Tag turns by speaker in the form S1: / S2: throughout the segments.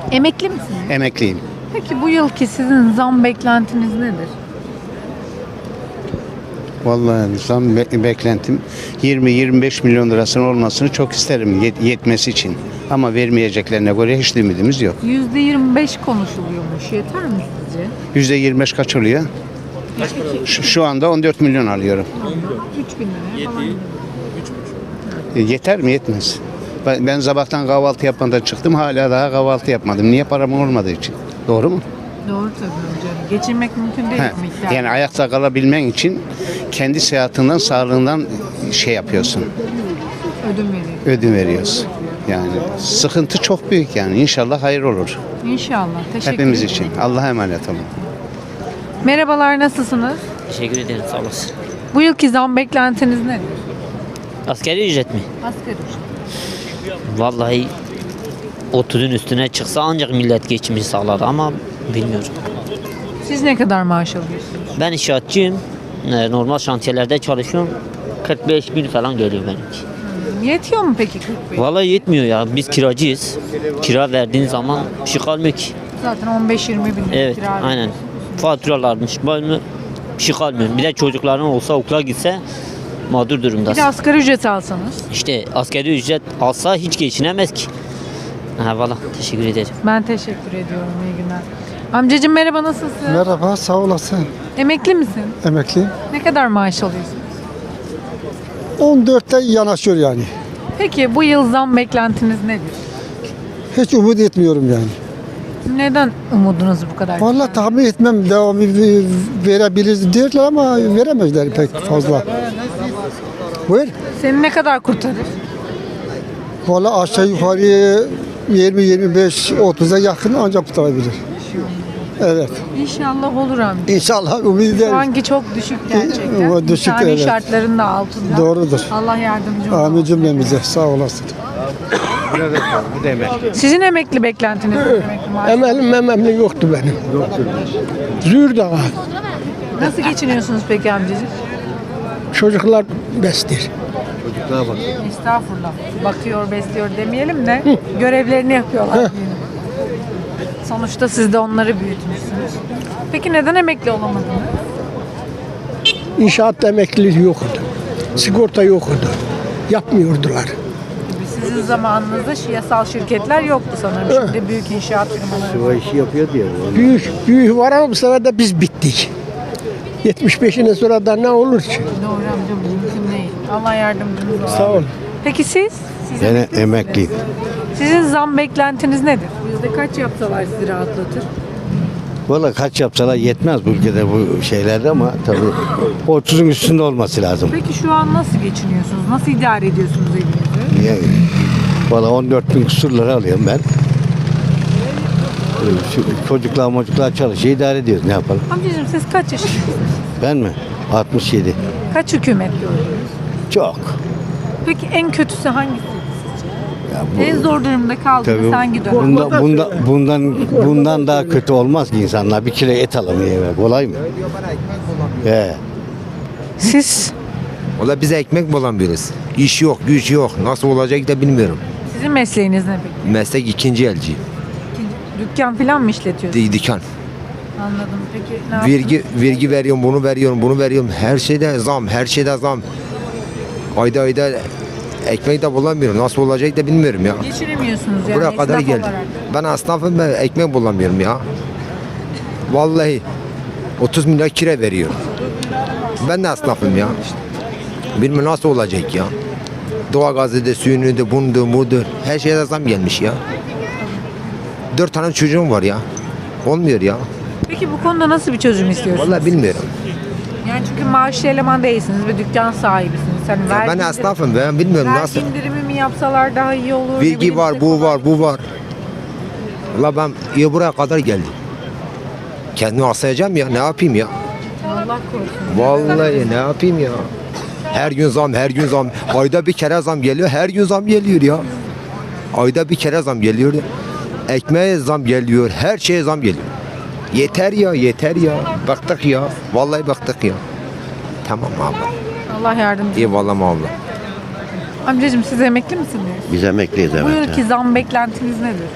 S1: Emekli misiniz?
S2: Emekliyim.
S1: Peki bu yılki sizin zam beklentiniz nedir?
S2: Vallahi beklentim 20-25 milyon lirasının olmasını çok isterim yetmesi için. Ama vermeyeceklerine göre hiç ümidimiz yok.
S1: %25 konuşuluyormuş. Yeter mi sizce?
S2: %25 kaç oluyor? Şu anda 14 milyon alıyorum.
S1: 3000 liraya falan.
S2: Yeter mi? Yetmez. Ben sabahtan kahvaltı yapmadan çıktım. Hala daha kahvaltı yapmadım. Niye? Param olmadığı için. Doğru mu?
S1: Doğru tabii hocam. Geçinmek mümkün değil bu miktarda.
S2: Yani ayakta kalabilmen için kendi sıhhatinden, sağlığından şey yapıyorsun. Ödün veriyorsun. Yani sıkıntı çok büyük yani. İnşallah hayır olur.
S1: İnşallah. Teşekkür
S2: Hepimiz
S1: ederim.
S2: için. Allah'a emanet olun.
S1: Merhabalar, nasılsınız?
S3: Teşekkür ederim, sağ olasın.
S1: Bu yılki zam beklentiniz nedir?
S3: Asgari ücret mi?
S1: Asgari ücret.
S3: Vallahi 30'un üstüne çıksa ancak millet geçimini sağlar ama bilmiyorum.
S1: Siz ne kadar maaş alıyorsunuz?
S3: Ben inşaatçıyım. Normal şantiyelerde çalışıyorum. 45 bin falan geliyor benimki.
S1: Yetiyor mu peki 45?
S3: Vallahi yetmiyor ya. Biz kiracıyız. Kira verdiğin zaman bir şey kalmıyor ki.
S1: Zaten 15-20 bin lira
S3: Evet,
S1: kira
S3: aynen.
S1: veriyorsunuz.
S3: Faturalarmış, böyle bir şey kalmıyor. Bir de çocukların olsa okula gitse mağdur
S1: Bir
S3: durumdasın.
S1: de asgari ücret alsanız.
S3: İşte asgari ücret alsa hiç geçinemez ki. Ha valla teşekkür ederim.
S1: Ben teşekkür ediyorum. İyi günler. Amcacığım merhaba, nasılsın?
S4: Merhaba, sağ olasın.
S1: Emekli misin?
S4: Emekliyim.
S1: Ne kadar maaş alıyorsun?
S4: 14'te yanaşıyor yani.
S1: Peki bu yıl zam beklentiniz nedir?
S4: Hiç umut etmiyorum yani.
S1: Neden umudunuz bu kadar?
S4: Vallahi tahmin etmem devamı verebiliriz diyorlar ama veremezler pek fazla. Buyur.
S1: Seni ne kadar kurtarır?
S4: Vallahi aşağı yukarı 20-25-30'a yakın ancak tutabilir. Evet.
S1: İnşallah olur amca.
S4: İnşallah umut
S1: Şu
S4: ederiz.
S1: anki çok düşük gerçekten.
S4: O düşük,
S1: İnsani
S4: evet.
S1: şartların da altında.
S4: Doğrudur.
S1: Allah yardımcı olsun.
S4: Amin cümlemize. Sağ olasın.
S2: Bu da emekli.
S1: Sizin emekli beklentiniz nedir? Emekli maaşı?
S4: Emelim yoktu benim. Züğürde var.
S1: Nasıl geçiniyorsunuz peki amcacığım?
S4: Çocuklar bestir.
S1: Estağfurullah. Bakıyor, besliyor demeyelim de görevlerini yapıyorlar diyelim. Sonuçta siz de onları büyütmüşsünüz. Peki neden emekli olamadınız?
S4: İnşaatta emekliliği yoktu. Sigorta yoktu. Yapmıyordular.
S1: Sizin zamanınızda yasal şirketler yoktu sanırım. Şimdi büyük inşaat firmaları.
S2: işi yapıyor diye.
S4: Büyük var ama bu sefer de biz bittik. 75'inden sonra da ne olur ki?
S1: Doğru amcam, mümkün değil. Allah yardımcınız olsun.
S4: Sağ ol.
S1: Peki siz?
S2: Ben emekliyim.
S1: Sizin zam beklentiniz nedir? Yüzde kaç yapsalar sizi rahatlatır?
S2: Valla kaç yapsalar yetmez bu ülkede bu şeylerde ama tabii 30'un üstünde olması lazım.
S1: Peki şu an nasıl geçiniyorsunuz? Nasıl idare ediyorsunuz evinizi?
S2: Yani, valla 14 bin küsur lira alıyorum ben. Çocuklar çalışıyor, idare ediyoruz, ne yapalım.
S1: Amcacığım siz kaç yaşındasınız?
S2: Ben mi? 67.
S1: Kaç hükümet gördünüz?
S2: Çok.
S1: Peki en kötüsü hangisi?
S2: Ya bu,
S1: En zor durumda kaldığınız
S2: tabii
S1: hangi dönem?
S2: bundan daha kötü olmaz ki insanlar. Bir kilo et alamıyor eve. Kolay mı?
S1: Siz?
S5: Valla biz ekmek bulamıyoruz. İş yok, güç yok. Nasıl olacak da bilmiyorum.
S1: Sizin mesleğiniz ne peki?
S5: Meslek ikinci elci.
S1: Dükkan falan mı işletiyorsunuz?
S5: Dikan.
S1: Anladım. Peki ne yaptınız?
S5: Vergi veriyorum, bunu veriyorum. Her şeyde zam, her şeyde zam. Ayda ekmek de bulamıyorum. Nasıl olacak da bilmiyorum ya.
S1: Geçinemiyorsunuz yani
S5: Buraya kadar
S1: esnaf
S5: geldim.
S1: olarak.
S5: Ben esnafım, ben ekmek bulamıyorum ya. Vallahi 30 milyar kira veriyorum. Ben de esnafım ya. Bilmiyorum nasıl olacak ya. Doğalgazı da, suyunu da, bunu budur. Her şeye zam gelmiş ya. 4 tane çocuğum var ya. Olmuyor ya.
S1: Peki bu konuda nasıl bir çözüm istiyorsunuz?
S5: Vallahi bilmiyorum.
S1: Yani çünkü maaşlı eleman değilsiniz ve dükkan sahibisiniz. Hani
S5: Ben esnafım, ben bilmiyorum
S1: vergi
S5: nasıl.
S1: indirimi mi yapsalar daha iyi olur? ne
S5: Vergi
S1: bileyim,
S5: var,
S1: işte
S5: bu
S1: falan.
S5: var, bu var. Valla ben ya buraya kadar geldim. Kendimi asayacağım ya, ne yapayım ya?
S1: Allah korusun.
S5: Vallahi ne yapayım ya? Her gün zam, her gün zam. Ayda bir kere zam geliyor, her gün zam geliyor ya. Ayda bir kere zam geliyor. Ekmeğe zam geliyor, her şeye zam geliyor. Yeter ya, yeter ya. Baktık ya. Vallahi baktık ya. Tamam abla.
S1: Allah yardımcı.
S5: Eyvallah abla.
S1: Amcacığım siz emekli misiniz?
S6: Biz emekliyiz,
S1: Bu
S6: evet.
S1: yılki zam beklentiniz nedir?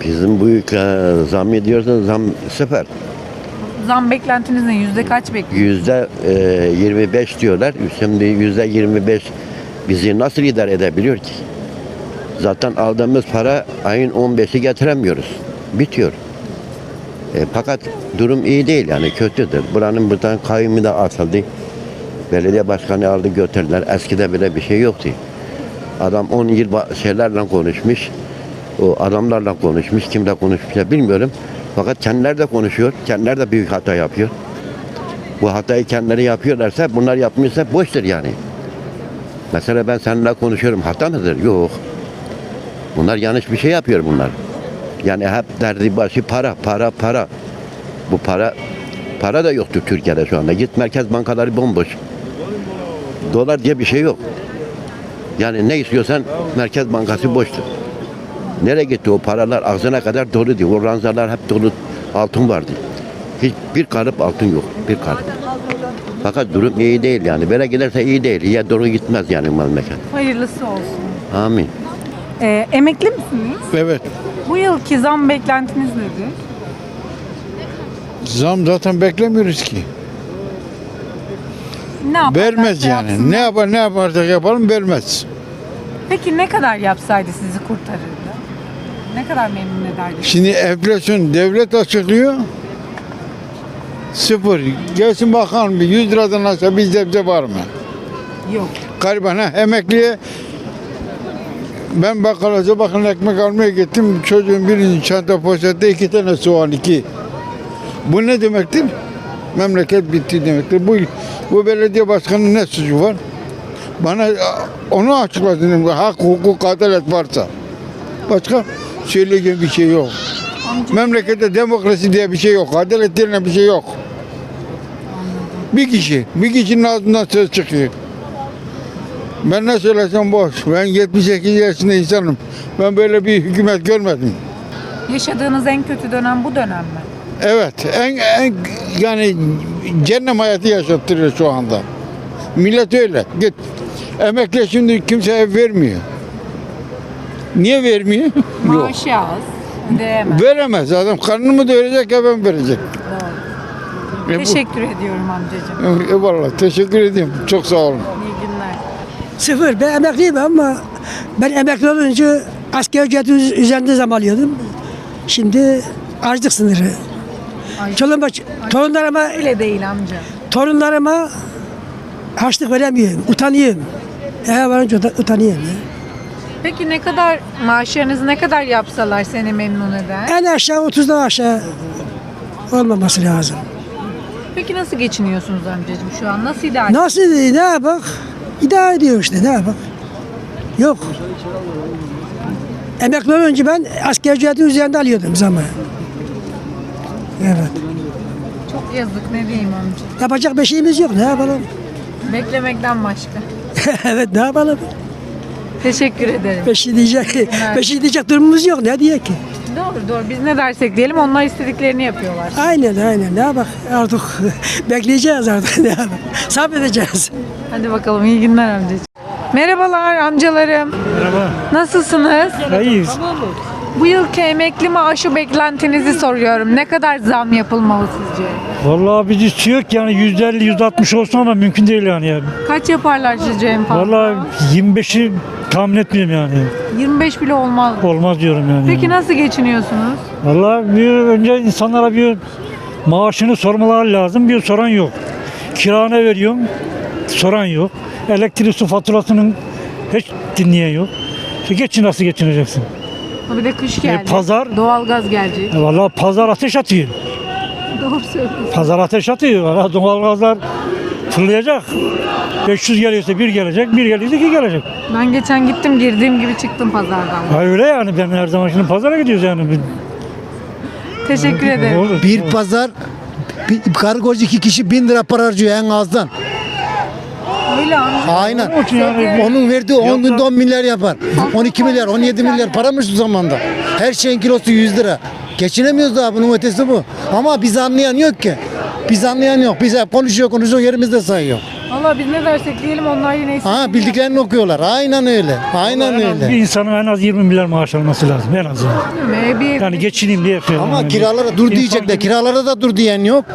S6: Bizim bu ülke zam ediyorsa zam sıfır.
S1: Zam beklentiniz ne? Yüzde kaç bekliyorsunuz?
S6: %25 diyorlar. Şimdi %25 bizi nasıl idare edebiliyor ki? Zaten aldığımız para ayın 15'i getiremiyoruz. Bitiyor. Fakat durum iyi değil yani kötüdür. Buranın buradan kayyumu da atıldı. Belediye başkanı aldı götürdüler. Eskide bile bir şey yoktu. Adam 10 yıl şeylerle konuşmuş. O adamlarla konuşmuş. Kimle konuşmuş ya bilmiyorum. Fakat kendileri de konuşuyor. Kendileri de büyük hata yapıyor. Bu hatayı kendileri yapıyorlarsa bunlar yapmıyorsa boştur yani. Mesela ben seninle konuşuyorum. Hata mıdır? Yok. Bunlar yanlış bir şey yapıyor bunlar. Yani hep derdi başı para. Bu para da yoktur Türkiye'de şu anda. Git merkez bankaları bomboş. Dolar diye bir şey yok. Yani ne istiyorsan merkez bankası boştur. Nereye gitti o paralar? Ağzına kadar dolu diyor. O ranzalar hep dolu altın vardı. Hiçbir kalıp altın yok. Bir kalıp. Fakat durum iyi değil yani. Böyle giderse iyi değil. İyiye doğru gitmez yani memleket.
S1: Hayırlısı olsun.
S6: Amin.
S1: Emekli misiniz?
S7: Evet.
S1: Bu yılki zam beklentiniz nedir?
S7: Zam zaten beklemiyoruz ki.
S1: Ne yaparlarsa
S7: Vermez yani.
S1: yapsınlar.
S7: Ne yaparsak yapalım vermez.
S1: Peki ne kadar yapsaydı sizi kurtarırdı? Ne kadar memnun ederdi?
S7: Şimdi enflasyon devlet açıklıyor. Sıfır. Gelsin bakalım bir 100 liradan aşağı bizde var mı?
S1: Yok.
S7: Gariban ha emekliye ben bakkala bakın ekmek almaya gittim. Çocuğun birinin çanta poşette 2 tane soğan 2. Bu ne demektir? Memleket bitti demektir. Bu belediye başkanının ne suçu var? Bana onu açıkladın. Hak, hukuk, adalet varsa. Başka söyleyeceğim bir şey yok. Memlekette demokrasi diye bir şey yok. Adalet diye bir şey yok. Bir kişinin ağzından söz çıkıyor. Ben ne söylesem boş. Ben 78 yaşında insanım. Ben böyle bir hükümet görmedim.
S1: Yaşadığınız en kötü dönem bu dönem mi?
S7: Evet, en yani cennet hayatı yaşattırıyor şu anda. Millet öyle. Git. Emekli şimdi kimse ev vermiyor. Niye vermiyor? Yok.
S1: Maaşı az. Ödeyemez.
S7: Veremez adam. Karnını mı doyuracak, eve mi verecek?
S1: Teşekkür ediyorum amcacığım.
S7: Eyvallah. Teşekkür ediyorum. Çok sağ olun.
S1: İyi günler.
S8: Sıfır. Ben emekliyim ama ben emekli olunca asgari ücreti üzerinde zam alıyordum. Şimdi açlık sınırı. Torunlarıma
S1: Öyle değil amca.
S8: harçlık veremiyorum. Utanıyorum. Eve varınca da utanıyorum. Ya.
S1: Peki ne kadar maaşlarınızı ne kadar yapsalar seni memnun eder?
S8: En aşağı 30'dan aşağı olmaması lazım.
S1: Peki nasıl geçiniyorsunuz amcacığım şu an? Nasıl idare
S8: Nasıl ne yapak? İdare ediyor işte ne yapak? Yok. Emekli olunca ben asgari ücreti üzerinde alıyordum zaman. Evet.
S1: Çok yazık ne diyeyim amca.
S8: Yapacak bir şeyimiz yok. Ne yapalım?
S1: Beklemekten başka.
S8: Evet ne yapalım?
S1: Teşekkür ederim.
S8: Bir şey diyecek durumumuz yok. Ne diye ki?
S1: Doğru. Biz ne dersek diyelim onlar istediklerini yapıyorlar.
S8: Aynen. Ne yapak? Artık bekleyeceğiz artık. Ne yapak? Sabredeceğiz.
S1: Hadi bakalım iyi günler amcacığım. Merhabalar amcalarım.
S9: Merhaba.
S1: Nasılsınız?
S9: İyiyiz.
S1: Bu yılki emekli maaşı beklentinizi soruyorum. Ne kadar zam yapılmalı sizce?
S9: Vallahi bir istiyor ki yani %50, %60 olsun ama mümkün değil yani.
S1: Kaç yaparlar sizce en fazla?
S9: Vallahi 25'i tahmin etmiyorum yani.
S1: 25 bile olmaz.
S9: Olmaz diyorum yani.
S1: Peki nasıl geçiniyorsunuz?
S9: Vallahi önce insanlara bir maaşını sormaları lazım. Bir soran yok. Kirana veriyorum. Soran yok. Elektrik su faturasının hiç dinleyen yok. Nasıl geçineceksin?
S1: Bir de kış geldi.
S9: pazar-
S1: Doğalgaz gelecek.
S9: Vallahi pazar ateş atıyor.
S1: Doğru söylüyorsun.
S9: Pazar ateş atıyor. Vallahi doğalgazlar fırlayacak. 500 geliyorsa bir gelecek, bir geliyorsa iki gelecek.
S1: Ben geçen gittim girdiğim gibi çıktım pazardan.
S9: Ha öyle yani ben her zaman şimdi pazara gidiyoruz yani.
S1: Teşekkür ederim.
S9: Olur.
S4: Bir pazar bir kargocu 2 kişi 1000 lira para harcıyor en azdan.
S1: Öyle amca.
S4: Aynen.
S9: Onun için yani
S4: Onun verdiği 10 günde 10 milyar yapar. 12 milyar, 17 milyar paramış şu zamanda. Her şeyin kilosu 100 lira. Geçinemiyoruz daha bunun ötesi bu. Ama biz anlayan yok ki. Biz anlayan yok. Biz hep konuşuyor yerimizde sayıyor.
S1: Valla biz ne dersek diyelim onlar yine
S4: Ha, bildiklerini okuyorlar. Aynen öyle. Aynen
S9: En az bir
S4: öyle.
S9: insanın en az 20 milyar maaş alması lazım en azından. Yani geçineyim diye yapıyor.
S4: Ama
S9: yani.
S4: kiralara dur
S9: İnsan
S4: diyecekler.
S9: gibi-
S4: Kiralara da dur diyen yok.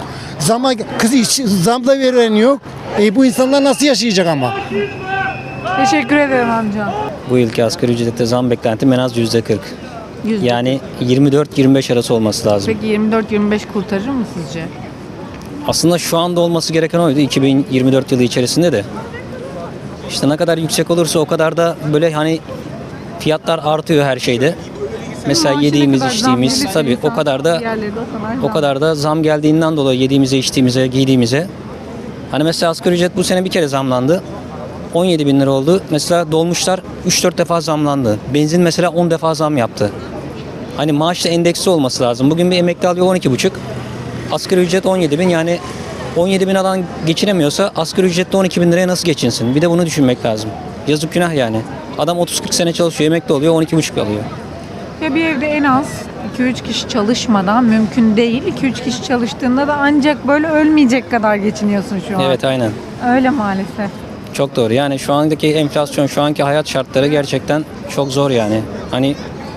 S4: Zam da veren yok. Bu insanlar nasıl yaşayacak ama?
S1: Teşekkür ederim amca.
S10: Bu yılki asgari ücrette zam beklentim en az %40. Yani 24-25 arası olması lazım.
S1: Peki 24-25 kurtarır mı sizce?
S10: Aslında şu anda olması gereken oydu 2024 yılı içerisinde de. İşte ne kadar yüksek olursa o kadar da böyle hani fiyatlar artıyor her şeyde. Mesela
S1: Maaşı ne
S10: yediğimiz,
S1: kadar zam
S10: içtiğimiz
S1: gelirse
S10: tabii o
S1: insan,
S10: kadar da
S1: diğerleri de
S10: o kadar da zam geldiğinden dolayı yediğimize, içtiğimize, giydiğimize. Hani mesela asgari ücret bu sene bir kere zamlandı. 17 bin lira oldu. Mesela dolmuşlar 3-4 defa zamlandı. Benzin mesela 10 defa zam yaptı. Hani maaşla endeksli olması lazım. Bugün bir emekli alıyor 12,5. Asgari ücret 17 bin. Yani 17 bin adam geçinemiyorsa asgari ücretle 12 bin liraya nasıl geçinsin? Bir de bunu düşünmek lazım. Yazık günah yani. Adam 30-40 sene çalışıyor, emekli oluyor 12,5 alıyor.
S1: Ya bir evde en az 2-3 kişi çalışmadan mümkün değil. 2-3 kişi çalıştığında da ancak böyle ölmeyecek kadar geçiniyorsun şu an.
S10: Evet aynen.
S1: Öyle maalesef.
S10: Çok doğru. Yani şu andaki enflasyon, şu anki hayat şartları gerçekten çok zor yani. Hani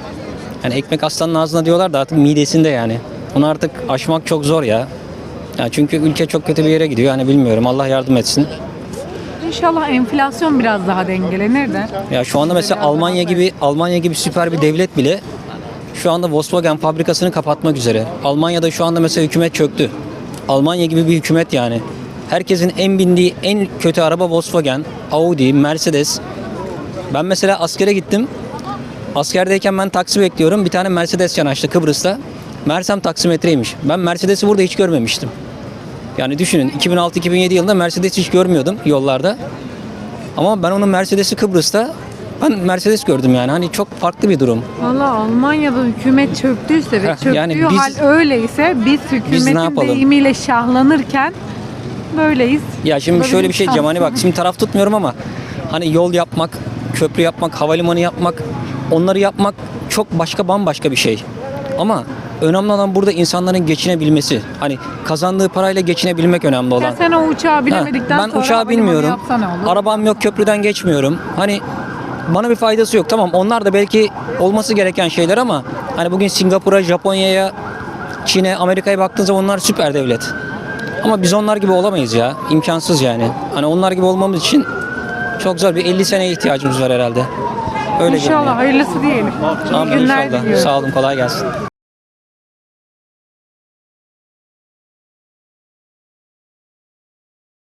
S10: ekmek aslanın ağzına diyorlar da artık midesinde yani. Onu artık aşmak çok zor ya. Ya çünkü ülke çok kötü bir yere gidiyor. Yani bilmiyorum. Allah yardım etsin.
S1: İnşallah enflasyon biraz daha dengelenir de.
S10: Ya şu anda mesela Almanya gibi süper bir devlet bile şu anda Volkswagen fabrikasını kapatmak üzere. Almanya'da şu anda mesela hükümet çöktü. Almanya gibi bir hükümet yani. Herkesin en bindiği en kötü araba Volkswagen, Audi, Mercedes. Ben mesela askere gittim. Askerdeyken ben taksi bekliyorum. Bir tane Mercedes yanaştı Kıbrıs'ta. Mersem taksimetreymiş. Ben Mercedes'i burada hiç görmemiştim. Yani düşünün 2006-2007 yılında Mercedes hiç görmüyordum yollarda. Ama ben onun Mercedes'i Kıbrıs'ta ben Mercedes gördüm yani. Hani çok farklı bir durum.
S1: Valla Almanya'da hükümet çöktüyse ve çöktüğü
S10: yani
S1: hal öyleyse biz
S10: ne
S1: hükümetin
S10: yapalım?
S1: deyimiyle şahlanırken böyleyiz.
S10: Ya şimdi
S1: Böyle
S10: şöyle
S1: bir
S10: bir şey diyeceğim. Hani bak şimdi taraf tutmuyorum ama hani yol yapmak, köprü yapmak, havalimanı yapmak, onları yapmak çok bambaşka bir şey. Ama önemli olan burada insanların geçinebilmesi. Hani kazandığı parayla geçinebilmek önemli olan.
S1: Ya sen o uçağı bilemedikten
S10: Ben
S1: sonra
S10: uçağı
S1: havalimanı
S10: bilmiyorum.
S1: yapsa ne olur?
S10: Arabam yok, köprüden geçmiyorum. Hani bana bir faydası yok. Tamam onlar da belki olması gereken şeyler ama hani bugün Singapur'a, Japonya'ya, Çin'e, Amerika'ya baktığınız zaman onlar süper devlet. Ama biz onlar gibi olamayız ya. İmkansız yani. Hani onlar gibi olmamız için çok zor. Bir 50 seneye ihtiyacımız var herhalde. Öyle
S1: İnşallah
S10: görünüyor.
S1: hayırlısı diyelim. İyi
S10: Amin
S1: günler
S10: inşallah.
S1: diliyorum.
S10: Sağ olun, kolay gelsin.